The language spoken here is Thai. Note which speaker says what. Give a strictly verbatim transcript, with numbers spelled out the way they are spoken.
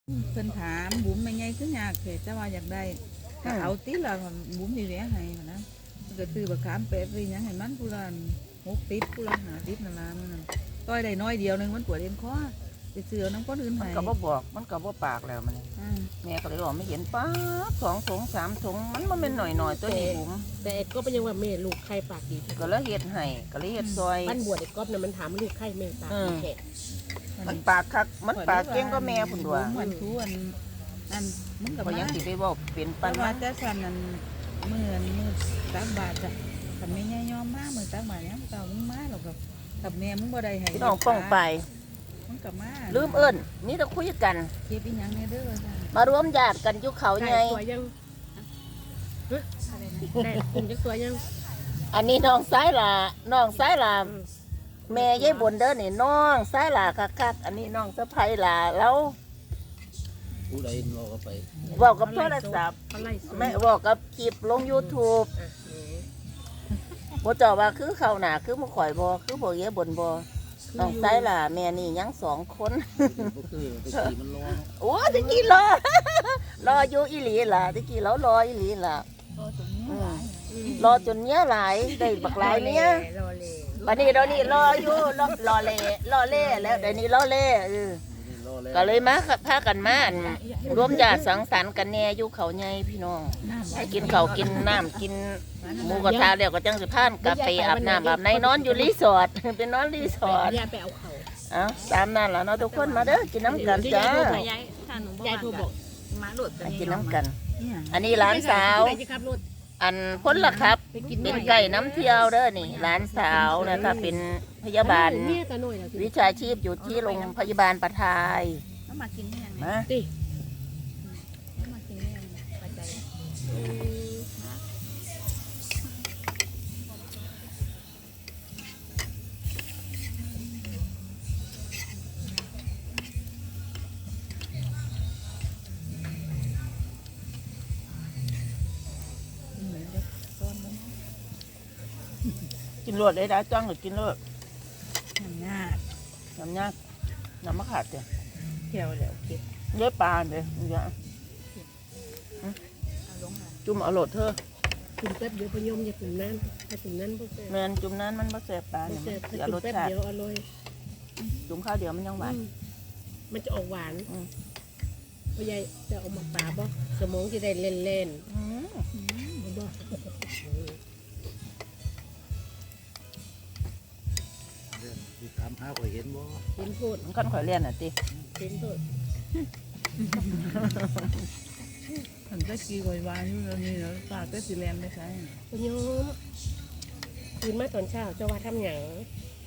Speaker 1: เพิ่นถามบุ๋มไม่ไงคือยากเถอะแต่ว่าอยากได้ถ้าเอาติละบุ๋มสิแหวให้นะมันก็ซื้อบักขามแปะไปหยังให้มันผู้ละหกติดผู้ละห้าติดนั่นล่ะมันนั่นต้อยได้น้อยเดียวนึงมันปวดเอ็นคอไปซื้อเอาน้ำก้อนอื่น
Speaker 2: มัน
Speaker 1: ให้
Speaker 2: ก็บ่บอกมันก็บ่ปากแล้วมัน
Speaker 1: อ่า
Speaker 2: แม่ก็เลยบอกไม่เห็นป้าบสองถุงสามถุงมันมันเป็นหน่อยหน่อยๆตัวนี้บุ๋ม
Speaker 3: แต่ไอ้ก๊อฟเป็นยังว่าแม่ลูกไข่ปากดีที่
Speaker 2: ก็เลยเฮ็ดให้ก็เลยเฮ็ดซอย
Speaker 3: บ้านบวชไอ้ก๊อฟน่ะมันถามลูกไข่แม่ปากดีแค่
Speaker 2: มันปากคักมันปากเก่งก็แม่พุ่นตัว
Speaker 1: บุ๋มมันทูอันนั่นมึงกับ
Speaker 2: พอ
Speaker 1: มา
Speaker 2: ยังสิไปบอกเป็น
Speaker 1: ปั
Speaker 2: ปั
Speaker 1: น
Speaker 2: น
Speaker 1: ว่า
Speaker 2: ว่า
Speaker 1: แต่สันนั่นมือมือตักบาทจ้ะทำไม่ย่ยอมมากมือตักบาทเนี้ยเก่ามึงมาหรอกกับกับแม่มึงบ่ได้ให้
Speaker 2: พี่น้องป้องไป
Speaker 1: มึงกับมา
Speaker 2: ลืมเอิ้นนี่ต้องคุยกัน
Speaker 1: เก็บอีหยังเนี่ยเด้อจ้ะ
Speaker 2: มารวมญาติกันอยู่เขา
Speaker 3: ไก่
Speaker 2: ไง
Speaker 3: ตัวยัง
Speaker 1: อะไรนะ
Speaker 3: ได้คุณจะตัวยัง
Speaker 2: อันนี้น้องซ้ายหล่าน้องซ้ายหล่าแม่ยายบนเด้อนี่น้องซ้ายหล่าคักๆอันนี้น้องสะใภ้หล่าแล้ว
Speaker 4: ผู้ใดรอก็ไป
Speaker 2: บอกกับโทรศัพท์
Speaker 3: เขาไล่สู้
Speaker 2: แม่บอกกับคลิปลง YouTube
Speaker 3: อ่ะนี่
Speaker 2: บ่เจ้าว่าคือเขาหนาคือบ่ข่อยบ่คือบ่เยบนบ่น้องซ้ายหล่าแม่นี่ยังสองคน
Speaker 4: ก็คือไปขี่มันร้อน
Speaker 2: โอ้ตะกี้รอ รออยู่อีหลีล่ะตะกี้เรารออีหลีล่ะ
Speaker 1: โอ้ตรงนี้หลาย
Speaker 2: รอจนเนี้ยหลายได้บักหลายเนี้ย
Speaker 3: รอเลย
Speaker 2: บัดนี้เรานี่รออยู่รอรอเล่รอเล่แล้วเดี๋ยวนี้รอเล่เออ
Speaker 4: รอแล้ว
Speaker 2: ก็เลยมาพากันมาอั่นร่วมญาติสังสรรค์กันแน่อยู่เขาใหญ่พี่น้อง
Speaker 1: น้ำ
Speaker 2: ให้กินข้าวกินน้ำกินหมูกระทะแล้วก็จังสิพานกาแฟอาบน้ำอาบในนอนอยู่รีสอร์ท เป็นนอนรีสอร์ท
Speaker 3: ยายไปเอาเขา
Speaker 2: เอ้าตามนั้นล่ะเนาะทุกคนมาเด้อกินน้ำกันจ้า
Speaker 5: ยายถ้าหนูบ่
Speaker 3: ยายโทรบอก
Speaker 5: มาหลุด
Speaker 2: มากินน้ำกัน
Speaker 1: เนี่ย
Speaker 2: อันนี้หลานสาว
Speaker 3: ไปสิครับรถ
Speaker 2: อันพ้นละครับ
Speaker 3: ไปกิน
Speaker 2: เป็นไก่น้ำเที่ยวเด้อนี่หลานสาวนะคะเป็นพยาบาล
Speaker 3: เนี่ยตาหน่อยนะ
Speaker 2: วิชาชีพอยู่ที่โรงพยาบาลประทาย
Speaker 1: แล้วมากินเนี่ย
Speaker 2: มา
Speaker 3: ติ
Speaker 1: แล้วมากินเนี่ยปัจจัยเหมือนกับต้นมัน
Speaker 2: กินรวดเลยนะจ้องหรือกินรวด
Speaker 1: หนังงา
Speaker 2: น้ำยากน้ำมะขามเจ้ะ
Speaker 1: เที่ยวแล้วเก็บ
Speaker 2: เยอะปลาเลยนี่จ้ะ
Speaker 1: เอาลงมา
Speaker 2: จุ่มเอาโหลดเธอ
Speaker 3: ถึงแป๊บเดียวพยมอย่าถึงนั้นถ้าถึงนั้นพวกแก
Speaker 2: แมนจุ่มนั้นมันบ่แสบปลา
Speaker 3: ไม่
Speaker 2: เนี่ย
Speaker 3: เสร็
Speaker 2: มัน
Speaker 3: จถ้า
Speaker 2: เสีย
Speaker 3: ถึ
Speaker 2: รง ส
Speaker 3: แป๊บ
Speaker 2: ชาติ
Speaker 3: เดียวอร่อย
Speaker 2: จุ่มข้าวเดียวมันยังหวาน
Speaker 3: อืมมันจะออกหวาน
Speaker 2: อืม
Speaker 3: พ่อยายจะเอามาปลาบ่สมองจะได้เล่นเล่น
Speaker 2: อืม
Speaker 3: ๆบ่
Speaker 4: ที่ถามหาข่อยเห็นบ่
Speaker 3: เห็นพูด
Speaker 2: มันขั้นข่อยเลียนอ่ะติ
Speaker 3: เห็นพูด
Speaker 1: ถึงจะกี่กวานอยู่แล้วนี่แล้วปลาก็สีแลนไม่ใช่
Speaker 3: พยมคืนมาตอนเช้าเจะว่าทำหยัง
Speaker 1: อ